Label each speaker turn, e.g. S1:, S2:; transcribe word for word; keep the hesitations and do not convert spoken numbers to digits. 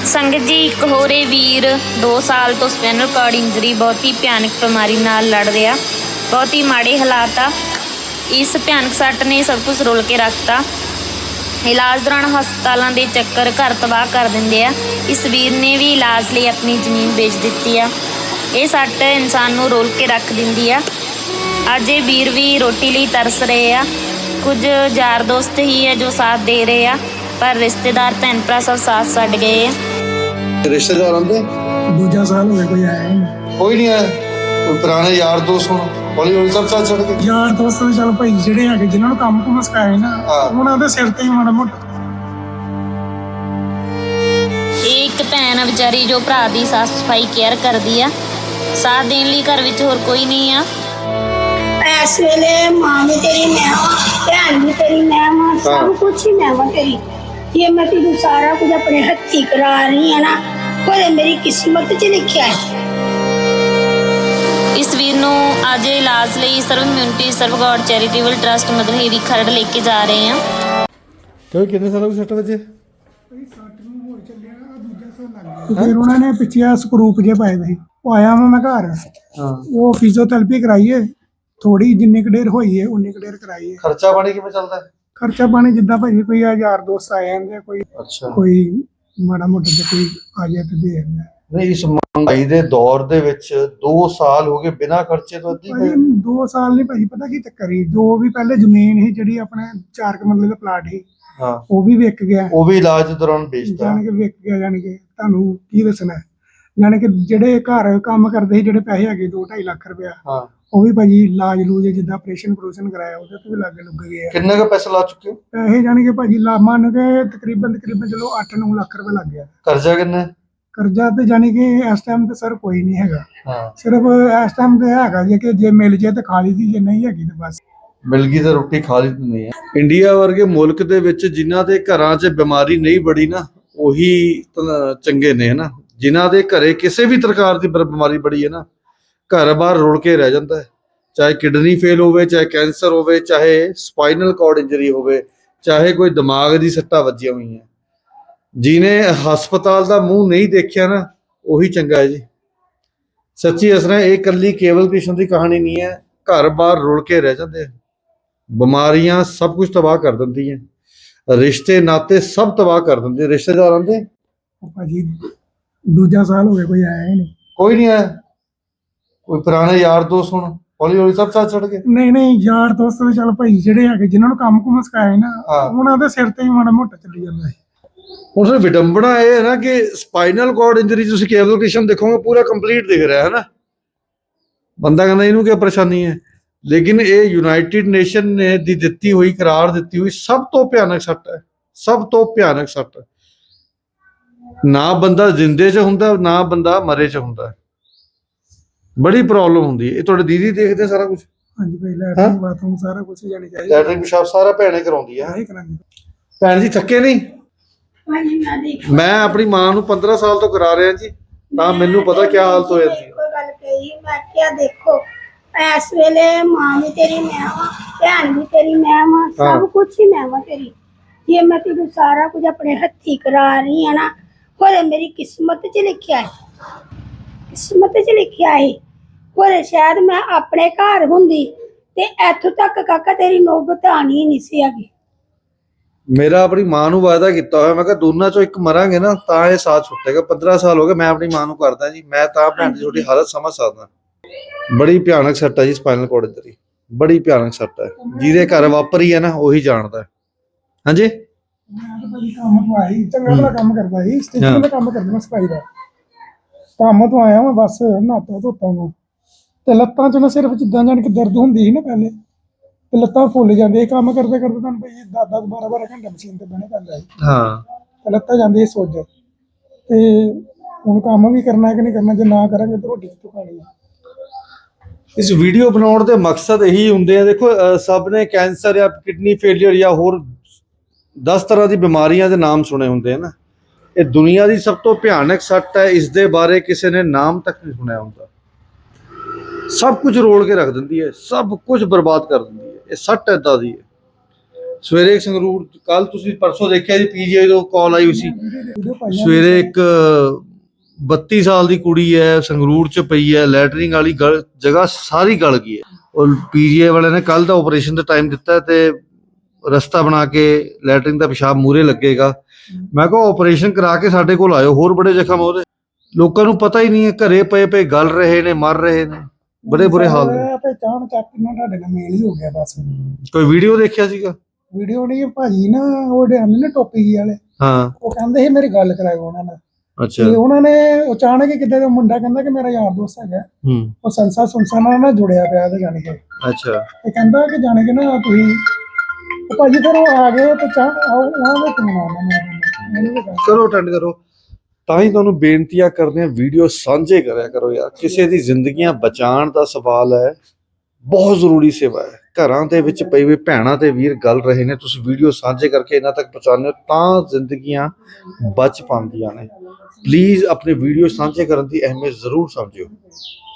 S1: ਸੰਗਤ ਜੀ, ਇੱਕ ਹੋਰ ਇਹ ਵੀਰ दो ਸਾਲ ਤੋਂ ਸਪਾਈਨਲ ਕਾਰਡ ਇੰਜਰੀ ਬਹੁਤ ਹੀ ਭਿਆਨਕ ਬਿਮਾਰੀ ਨਾਲ ਲੜ ਰਿਹਾ। ਬਹੁਤ ਹੀ ਮਾੜੇ ਹਾਲਾਤ ਆ। ਇਸ ਭਿਆਨਕ ਸੱਟ ਨੇ ਸਭ ਕੁਝ ਰੋਲ ਕੇ ਰੱਖਤਾ। ਇਲਾਜ ਦੌਰਾਨ ਹਸਪਤਾਲਾਂ ਦੇ ਚੱਕਰ ਘਰ ਤਬਾਹ ਕਰ ਦਿੰਦੇ ਆ। ਇਸ ਵੀਰ ਨੇ ਵੀ ਇਲਾਜ ਲਈ ਆਪਣੀ ਜ਼ਮੀਨ ਵੇਚ ਦਿੱਤੀ ਆ। ਇਹ ਸੱਟ ਇਨਸਾਨ ਨੂੰ ਰੋਲ ਕੇ ਰੱਖ ਦਿੰਦੀ ਆ। ਅੱਜ ਇਹ ਵੀਰ ਵੀ ਰੋਟੀ ਲਈ ਤਰਸ ਰਹੇ ਆ। ਕੁਝ ਯਾਰ ਦੋਸਤ ਹੀ ਹੈ ਜੋ ਸਾਥ ਦੇ ਰਹੇ ਆ, ਪਰ ਰਿਸ਼ਤੇਦਾਰ ਭੈਣ ਭਰਾ ਸਭ ਸਾਥ ਛੱਡ ਗਏ ਆ।
S2: रिश्तेदार आते
S3: दूजा साल हो गया कोई आया ही नहीं।
S2: कोई नहीं आया। कोई पुराने यार दोस्त होना हौली हौली सब साथ छड़ गए।
S3: यार दोस्त तो चल भाई ਜਿਹੜੇ ਹੈਗੇ ਜਿਨ੍ਹਾਂ ਨੂੰ ਕੰਮ ਕੁਮ ਸਿਖਾਇਆ ਨਾ ਉਹਨਾਂ ਦੇ ਸਿਰ ਤੇ ਹੀ ਮਾੜਾ ਮੋਟਾ।
S1: ਇਹ ਇੱਕ ਭੈਣ ਆ ਵਿਚਾਰੀ ਜੋ ਭਰਾ ਦੀ ਸਾਫ ਸਫਾਈ ਕੇਅਰ ਕਰਦੀ ਆ। ਸਾਥ ਦੇਣ ਲਈ ਘਰ ਵਿੱਚ ਹੋਰ ਕੋਈ ਨਹੀਂ ਆ।
S4: ਇਸ ਵੇਲੇ ਮਾਂ ਵੀ ਤੇਰੀ ਮੈਂ ਵਾਂ, ਭੈਣ ਵੀ ਤੇਰੀ ਮੈਂ ਵਾਂ, ਸਭ ਕੁਛ ਹੀ ਮੈਂ ਵਾਂ ਤੇਰੀ। ਜੇ ਮੈਂ ਤੈਨੂੰ ਸਾਰਾ ਕੁਝ ਆਪਣੇ ਹੱਥੀਂ ਕਰਾ ਰਹੀ ਹਾਂ ਨਾ, ਉਹ ਮੇਰੀ ਕਿਸਮਤ 'ਚ ਲਿਖਿਆ ਹੈ।
S1: ਇਸ ਵੀਰ ਨੂੰ ਅੱਜ ਇਲਾਜ ਲਈ ਸਰਵ ਇਮਿਊਨਿਟੀ ਸਰਵ God charitable trust Madanheri Kharar ਲੈ ਕੇ ਜਾ ਰਹੇ ਹਾਂ।
S2: ਕਿਉਂ ਕਿੰਨੇ ਸਾਲਾਂ ਦੀ ਸੱਟ ਵਜੇ
S3: ਸੱਟ ਨੂੰ ਹੋ ਚੱਲਿਆ ਦੂਜਾ ਸਾਲ ਲੱਗ ਗਿਆ। ਫਿਰ ਉਹਨਾਂ ਨੇ ਪਿੱਛੇ ਸਕਰੂਪ ਜੇ ਪਾਏ ਦੇ। ਉਹ ਆਇਆ ਵਾਂ ਮੈਂ ਘਰ,
S2: ਹਾਂ
S3: ਉਹ ਫਿਜ਼ੀਓਥੈਰੇਪੀ ਕਰਾਈਏ ਥੋੜੀ ਜਿੰਨੀ ਕੁ ਦੇਰ ਹੋਈ ਹੈ ਉਨੀ ਕੁ ਦੇਰ ਕਰਾਈਏ।
S2: ਖਰਚਾ ਪਾਣੀ ਕਿਵੇਂ ਚੱਲਦਾ ਹੈ?
S3: ਖਰਚਾ ਪਾਣੀ ਜਿੱਦਾਂ ਭਾਜੀ ਕੋਈ ਆ ਯਾਰ ਦੋਸਤ ਆ ਜਾਂਦੇ, ਕੋਈ
S2: ਅੱਛਾ
S3: ਕੋਈ ਮਾੜਾ ਮੋਟਾ ਜਿਹਾ ਕੋਈ ਆ ਜਾਏ ਤੇ ਦੇ ਦਿੰਦਾ।
S2: ਨਹੀਂ, ਇਸ ਮਹਿੰਗਾਈ ਦੇ ਦੌਰ ਦੇ ਵਿੱਚ ਦੋ ਸਾਲ ਹੋ ਗਏ ਬਿਨਾਂ ਖਰਚੇ ਤੋਂ ਅੱਧੀ
S3: ਭਾਜੀ ਦੋ ਸਾਲ ਨਹੀਂ ਭਾਜੀ, ਪਤਾ ਕੀ ਚੱਕਰ ਸੀ, ਜੋ ਵੀ ਪਹਿਲੇ ਜ਼ਮੀਨ ਸੀ ਜਿਹੜੀ ਆਪਣੇ ਚਾਰ ਕੁ ਮਰਲੇ ਦਾ ਪਲਾਟ ਸੀ,
S2: ਹਾਂ
S3: ਉਹ ਵੀ ਵਿਕ ਗਿਆ।
S2: ਉਹ ਵੀ ਇਲਾਜ ਦੌਰਾਨ ਵੇਚਦਾ।
S3: ਜਾਣ ਕੇ ਵਿਕ ਗਿਆ। ਜਾਣ ਕੇ ਤੁਹਾਨੂੰ ਕੀ ਦੱਸਣਾ, ਜਾਣ ਕੇ ਜਿਹੜੇ ਘਰ ਕੰਮ ਕਰਦੇ ਸੀ ਜਿਹੜੇ ਪੈਸੇ ਹੈਗੇ ਦੋ ਢਾਈ ਲੱਖ ਰੁਪਇਆ,
S2: ਹਾਂ
S3: ਉਹ ਵੀ ਭਾਜੀ ਇਲਾਜ ਲੂਜ ਜਿੱਦਾਂ ਆਪਰੇਸ਼ਨ ਆਪਰੇਸ਼ਨ ਕਰਾਇਆ ਉਹਦੇ ਤੇ ਵੀ ਲੱਗ ਲੁੱਗ ਗਏ ਆ।
S2: ਕਿੰਨੇ ਕੁ ਪੈਸੇ ਲਾ ਚੁੱਕੇ ਹੋ?
S3: ਪੈਸੇ ਜਾਣ ਕੇ ਭਾਜੀ ਲਾ ਮੰਨ ਕੇ ਤਕਰੀਬਨ ਤਕਰੀਬਨ ਚਲੋ ਅੱਠ ਨੌ ਲੱਖ ਰੁਪਏ ਲੱਗ ਗਿਆ।
S2: ਕਰਜ਼ਾ ਕਿੰਨਾ?
S3: ਕਰਜ਼ਾ ਤੇ ਜਾਣੀ ਕਿ ਇਸ ਟਾਈਮ ਤੇ ਸਰ ਕੋਈ ਨਹੀਂ ਹੈਗਾ।
S2: ਹਾਂ
S3: ਸਿਰਫ ਇਸ ਟਾਈਮ ਤੇ ਹੈਗਾ ਜੇ ਕਿ ਜੇ ਮਿਲ ਜੇ ਤੇ ਖਾ ਲਈ ਦੀ, ਜੇ ਨਹੀਂ ਹੈਗੀ ਤੇ ਬਸ
S2: ਮਿਲ ਗਈ ਤਾਂ ਰੋਟੀ ਖਾ ਲਈ ਨਹੀਂ ਹੈ। ਇੰਡੀਆ ਵਰਗੇ ਮੁਲਕ ਦੇ ਵਿੱਚ ਜਿਨ੍ਹਾਂ ਦੇ ਘਰਾਂ 'ਚ ਬਿਮਾਰੀ ਨਹੀਂ ਬੜੀ ਨਾ, ਉਹੀ ਤਾਂ ਚੰਗੇ ਨੇ ਹਨਾ। ਜਿਨ੍ਹਾਂ ਦੇ ਘਰੇ ਕਿਸੇ ਵੀ ਪ੍ਰਕਾਰ ਦੀ ਬਿਮਾਰੀ ਬੜੀ ਹੈ ਨਾ, ਘਰ ਬਾਹਰ ਰੁਲ ਕੇ ਰਹਿ ਜਾਂਦਾ ਹੈ। ਚਾਹੇ ਕਿਡਨੀ ਫੇਲ ਹੋਵੇ, ਚਾਹੇ ਕੈਂਸਰ ਹੋਵੇ, ਚਾਹੇ ਸਪਾਈਨਲ ਕਾਰਡ ਇੰਜਰੀ ਹੋਵੇ, ਚਾਹੇ ਕੋਈ ਦਿਮਾਗ ਦੀ ਸੱਟਾਂ ਵੱਜੀਆਂ ਹੋਈਆਂ। ਜਿਹਨੇ ਹਸਪਤਾਲ ਦਾ ਮੂੰਹ ਨਹੀਂ ਦੇਖਿਆ ਨਾ, ਉਹੀ ਚੰਗਾ ਹੈ ਜੀ। ਸੱਚੀ ਅਸਰਾਂ ਇਹ ਇਕੱਲੀ ਕੇਵਲ ਕ੍ਰਿਸ਼ਨ ਦੀ ਕਹਾਣੀ ਨਹੀਂ ਹੈ। ਘਰ ਬਾਹਰ ਰੁਲ ਕੇ ਰਹਿ ਜਾਂਦੇ ਆ। ਬਿਮਾਰੀਆਂ ਸਭ ਕੁਝ ਤਬਾਹ ਕਰ ਦਿੰਦੀਆਂ, ਰਿਸ਼ਤੇ ਨਾਤੇ ਸਭ ਤਬਾਹ ਕਰ ਦਿੰਦੇ। ਰਿਸ਼ਤੇਦਾਰ ਆਉਂਦੇ
S3: ਉਹ ਭਾਜੀ ਦੂਜਾ ਸਾਲ ਹੋ ਗਿਆ ਕੋਈ ਆਇਆ ਹੀ ਨਹੀਂ।
S2: ਕੋਈ ਨਹੀਂ ਆਇਆ। ਕੋਈ ਪੁਰਾਣੇ ਯਾਰ ਦੋਸਤ ਹੋਣਾ ਹੌਲੀ ਹੌਲੀ ਸਭ ਸਾਥ ਛੱਡ ਗਏ।
S3: ਨਹੀਂ ਨਹੀਂ ਯਾਰ ਦੋਸਤ ਤੇ ਚੱਲ ਭਾਈ ਜਿਹੜੇ ਹੈਗੇ ਜਿਨ੍ਹਾਂ ਨੂੰ ਕੰਮ ਕੁਮ ਸਿਖਾਇਆ ਨਾ,
S2: ਹਾਂ।
S3: ਉਹਨਾਂ ਦੇ ਸਿਰ ਤੇ ਹੀ ਮਾੜਾ ਮੋਟਾ ਚੱਲੀ ਜਾਂਦਾ ਹੈ।
S2: ਹੁਣ ਸਰ ਵਿਡੰਬਣਾ ਇਹ ਹੈ ਨਾ ਕਿ ਸਪਾਈਨਲ ਕਾਰਡ ਇੰਜਰੀ ਤੁਸੀਂ ਕੇਵਲ ਕ੍ਰਿਸ਼ਨ ਦੇਖੋਗੇ ਪੂਰਾ ਕੰਪਲੀਟ ਦਿਖ ਰਿਹਾ ਹੈ ਨਾ। ਬੰਦਾ ਕਹਿੰਦਾ ਇਹਨੂੰ ਕੀ ਪਰੇਸ਼ਾਨੀ ਹੈ, ਲੇਕਿਨ ਇਹ ਯੂਨਾਈਟਿਡ ਨੇਸ਼ਨ ਨੇ ਦੀ ਦਿੱਤੀ ਹੋਈ ਕਰਾਰ ਦਿੱਤੀ ਹੋਈ ਸਭ ਤੋਂ ਭਿਆਨਕ ਸੱਟ ਹੈ। ਸਭ ਤੋਂ ਭਿਆਨਕ ਸੱਟ। ਨਾ ਬੰਦਾ ਜ਼ਿੰਦੇ 'ਚ ਹੁੰਦਾ, ਨਾ ਬੰਦਾ ਮਰੇ 'ਚ ਹੁੰਦਾ। ਬੜੀ ਪ੍ਰੋਬਲਮ ਹੁੰਦੀ ਹੈ। ਇਹ ਤੁਹਾਡੇ ਦੀਦੀ ਦੇਖਦੇ ਸਾਰਾ ਕੁਝ?
S3: ਹਾਂਜੀ ਭਾਈ ਲੈਟਰਿੰਗ ਬਾਥਰੂਮ ਸਾਰਾ ਕੁਝ ਜਾਣੀ ਚਾਹੀਦਾ।
S2: ਲੈਟਰਿੰਗ ਪਿਸ਼ਾਬ ਸਾਰਾ ਭੈਣੇ ਕਰਾਉਂਦੀ ਹੈ।
S3: ਆਹੀ ਕਰਾਂਗੇ
S2: ਭੈਣ ਜੀ ਥੱਕੇ ਨਹੀਂ?
S4: ਭਾਜੀ ਮੈਂ ਦੇਖ
S2: ਮੈਂ ਆਪਣੀ ਮਾਂ ਨੂੰ ਪੰਦਰਾਂ ਸਾਲ ਤੋਂ ਕਰਾ ਰਿਹਾ ਜੀ, ਤਾਂ ਮੈਨੂੰ ਪਤਾ ਕੀ ਹਾਲਤ ਹੋ ਜਾਂਦੀ ਹੈ।
S4: ਕੋਈ ਗੱਲ ਕਹੀ ਮੈਂ ਕਿਹਾ ਦੇਖੋ ਇਸ ਵੇਲੇ ਮਾਂ ਵੀ ਤੇਰੀ ਮੈਂ ਵਾਂ, ਭੈਣ ਵੀ ਤੇਰੀ ਮੈਂ ਵਾਂ, ਸਭ ਕੁਛ ਹੀ ਮੈਂ ਵਾਂ ਤੇਰੀ। ਜੇ ਮੈਂ ਤੈਨੂੰ ਸਾਰਾ ਕੁਝ ਆਪਣੇ ਹੱਥੀਂ ਕਰਾ ਰਹੀ ਹਾਂ ਨਾ, ਉਹ ਮੇਰੀ ਕਿਸਮਤ 'ਚ ਲਿਖਿਆ ਹੈ। ਕਿਸਮਤ 'ਚ ਲਿਖਿਆ ਹੈ। ਪਰ ਸ਼ਾਇਦ ਮੈਂ ਆਪਣੇ ਘਰ ਹੁੰਦੀ ਤੇ ਇੱਥੋਂ ਤੱਕ ਕਾਕਾ ਤੇਰੀ ਨੌਬਤ ਆਣੀ ਨਹੀਂ ਸੀ ਹੈਗੀ।
S2: ਮੇਰਾ ਆਪਣੀ ਮਾਂ ਨੂੰ ਵਾਅਦਾ ਕੀਤਾ ਹੋਇਆ, ਮੈਂ ਕਿਹਾ ਦੋਨਾਂ ਚੋਂ ਇੱਕ ਮਰਾਂਗੇ ਨਾ ਤਾਂ ਇਹ ਸਾਥ ਛੁੱਟੇਗਾ। ਪੰਦਰਾਂ ਸਾਲ ਹੋ ਗਏ ਮੈਂ ਆਪਣੀ ਮਾਂ ਨੂੰ ਕਰਦਾ ਜੀ। ਮੈਂ ਤਾਂ ਭੈਣ ਦੀ ਤੁਹਾਡੀ ਹਾਲਤ ਸਮਝ ਸਕਦਾ। ਬੜੀ ਭਿਆਨਕ ਸੱਟ ਹੈ ਜੀ ਸਪਾਈਨਲ ਕਾਰਡ ਇੰਜਰੀ, ਬੜੀ ਭਿਆਨਕ ਸੱਟ ਹੈ। ਜਿਹਦੇ ਘਰ ਵਾਪਰੀ ਹੈ ਨਾ ਉਹੀ ਜਾਣਦਾ। ਹਾਂਜੀ
S3: ਮੈਂ ਤਾਂ ਭਾਜੀ ਕੰਮ ਤੋਂ ਆਈ, ਚੰਗਾ ਭਲਾ ਕੰਮ ਕਰਦਾ ਸੀ, ਸਟਿਚਿੰਗ ਦਾ ਕੰਮ ਕਰਦਾ ਸਫਾਈ ਦਾ। ਕੰਮ ਤੋਂ ਆਇਆ ਮੈਂ ਬਸ ਨਹਾਤਾ ਧੋਤਾ ਮੈਂ ਤੇ ਲੱਤਾਂ 'ਚ ਨਾ ਸਿਰਫ ਜਿੱਦਾਂ ਜਾਣ ਕੇ ਦਰਦ ਹੁੰਦੀ ਸੀ ਨਾ ਪਹਿਲੇ, ਤੇ ਲੱਤਾਂ ਫੁੱਲ ਜਾਂਦੀਆਂ। ਕੰਮ ਕਰਦੇ ਕਰਦੇ ਤੁਹਾਨੂੰ ਭਾਈ ਦਸ ਦਸ ਬਾਰਾਂ ਬਾਰਾਂ ਘੰਟੇ ਮਸ਼ੀਨ ਤੇ ਬਹਿਣਾ ਪੈਂਦਾ ਸੀ।
S2: ਹਾਂ
S3: ਤੇ ਲੱਤਾਂ ਜਾਂਦੀ ਸੀ ਸੁੱਜ। ਤੇ ਹੁਣ ਕੰਮ ਵੀ ਕਰਨਾ ਕਿ ਨਹੀਂ ਕਰਨਾ, ਜੇ ਨਾ ਕਰਾਂਗੇ ਤਾਂ ਰੋਟੀ ਕਿੱਥੋਂ ਖਾਣੀ ਹੈ।
S2: ਇਸ ਵੀਡੀਓ ਬਣਾਉਣ ਦੇ ਮਕਸਦ ਇਹੀ ਹੁੰਦੇ ਆ। ਦੇਖੋ ਸਭ ਨੇ ਕੈਂਸਰ ਜਾਂ ਕਿਡਨੀ ਫੇਲੀਅਰ ਜਾਂ ਹੋਰ ਦਸ ਤਰ੍ਹਾਂ ਦੀ ਬਿਮਾਰੀਆਂ ਦੇ ਨਾਮ ਸੁਣੇ ਹੁੰਦੇ ਆ ਨਾ। ਇਹ ਦੁਨੀਆ ਦੀ ਸਭ ਤੋਂ ਭਿਆਨਕ ਸੱਟ ਹੈ। ਇਸ ਦੇ ਬਾਰੇ ਕਿਸੇ ਨੇ ਨਾਮ ਤੱਕ ਨਹੀਂ ਸੁਣਿਆ ਹੁੰਦਾ। ਸਭ ਕੁਝ ਰੋਲ ਕੇ ਰੱਖ ਦਿੰਦੀ ਹੈ, ਸਭ ਕੁਝ ਬਰਬਾਦ ਕਰ ਦਿੰਦੀ ਹੈ। ਇਹ ਸੱਟ ਏਦਾਂ ਦੀ ਹੈ। ਸਵੇਰੇ ਸੰਗਰੂਰ ਕੱਲ ਤੁਸੀਂ ਪਰਸੋਂ ਦੇਖਿਆ ਜੀ ਪੀਜੀਆਈ ਤੋਂ ਕਾਲ ਆਈ ਹੋਈ ਸੀ।
S3: ਵੀਡੀਓ ਪਾਈਆਂ
S2: ਸਵੇਰੇ ਇੱਕ ਬੱਤੀ ਸਾਲ ਦੀ ਕੁੜੀ ਹੈ ਸੰਗਰੂਰ ਚ ਪਈ ਹੈ, ਲੈਟਰਿੰਗ ਵਾਲੀ ਗਲ ਜਗ੍ਹਾ ਸਾਰੀ ਗਲ ਗਈ ਹੈ। ਔਰ ਪੀਜੀਆਈ ਵਾਲਿਆਂ ਨੇ ਕੱਲ ਦਾ ਆਪਰੇਸ਼ਨ ਦਾ ਟਾਈਮ ਦਿੱਤਾ ਤੇ ਰਸਤਾ ਬਣਾ ਕੇ ਲੈਟਰਿੰਗ ਦਾ ਪਿਸ਼ਾਬ ਮੂਰੇ ਲੱਗੇਗਾ। ਮੈਂ ਕਿਹਾ ਆਪਰੇਸ਼ਨ ਕਰਾ ਕੇ ਸਾਡੇ ਕੋਲ ਆਇਓ, ਹੋਰ ਬੜੇ ਜ਼ਖਮ ਉਹਦੇ। ਲੋਕਾਂ ਨੂੰ ਪਤਾ ਹੀ ਨਹੀਂ ਹੈ, ਘਰੇ ਪਏ ਪਏ ਗਲ ਰਹੇ ਨੇ, ਮਰ ਰਹੇ ਨੇ, ਬੜੇ ਬੁਰੇ ਹਾਲ ਨੇ।
S3: ਤੇ ਚਾਣ ਚੱਕ ਨਾਲ ਤੁਹਾਡੇ ਨਾਲ ਮੇਲ ਹੀ ਹੋ ਗਿਆ ਬਸ।
S2: ਕੋਈ ਵੀਡੀਓ ਦੇਖਿਆ ਸੀਗਾ?
S3: ਵੀਡੀਓ ਨਹੀਂ ਭਾਜੀ ਨਾ ਉਹ ਆਉਂਦੇ ਨੇ ਟੋਪੀ ਵਾਲੇ,
S2: ਹਾਂ
S3: ਉਹ ਕਹਿੰਦੇ ਸੀ ਮੇਰੀ ਗੱਲ ਕਰਾਇਓ ਉਹਨਾਂ ਨਾਲ।
S2: ਅੱਛਾ।
S3: ਤੇ ਉਹਨਾਂ ਨੇ ਅਚਾਨਕ ਹੀ ਕਿੱਦਾਂ ਦਾ ਮੁੰਡਾ ਕਹਿੰਦਾ ਕਿ ਮੇਰਾ ਯਾਰ ਦੋਸਤ ਹੈਗਾ,
S2: ਹੂੰ
S3: ਉਹ ਸੰਸਾ ਸੁਨਸਾ ਨਾਲ ਨਾ ਜੁੜਿਆ ਪਿਆ ਤੇ ਜਾਣ ਕੇ।
S2: ਅੱਛਾ।
S3: ਤੇ ਕਹਿੰਦਾ ਕਿ ਜਾਣ ਕੇ ਨਾ ਤੁਸੀਂ ਉਹ ਭਾਜੀ ਫਿਰ ਉਹ ਆ ਗਏ ਤੇ ਚਾਹ ਉਹਨਾਂ ਦਾ ਫੋਨ ਆਉਣਾ ਮੈਨੂੰ।
S2: ਕਰੋ ਅਟੈਂਡ ਕਰੋ। ਤਾਂ ਹੀ ਤੁਹਾਨੂੰ ਬੇਨਤੀਆਂ ਕਰਦੇ ਆ, ਵੀਡੀਓ ਸਾਂਝੇ ਕਰਿਆ ਕਰੋ ਯਾਰ। ਕਿਸੇ ਦੀ ਜ਼ਿੰਦਗੀਆਂ ਬਚਾਉਣ ਦਾ ਸਵਾਲ ਹੈ, ਬਹੁਤ ਜ਼ਰੂਰੀ ਸੇਵਾ ਹੈ। ਘਰਾਂ ਦੇ ਵਿੱਚ ਪਈ ਹੋਈ ਭੈਣਾਂ ਤੇ ਵੀਰ ਗਲ ਰਹੇ ਨੇ, ਤੁਸੀਂ ਵੀਡੀਓ ਸਾਂਝੇ ਕਰਕੇ ਇਹਨਾਂ ਤੱਕ ਪਹੁੰਚਾਉਂਦੇ ਹੋ ਤਾਂ ਜ਼ਿੰਦਗੀਆਂ ਬਚ ਪਾਉਂਦੀਆਂ ਨੇ। ਪਲੀਜ਼ ਆਪਣੇ ਵੀਡੀਓ ਸਾਂਝੇ ਕਰਨ ਦੀ ਅਹਿਮੀਅਤ ਜ਼ਰੂਰ ਸਮਝਿਓ।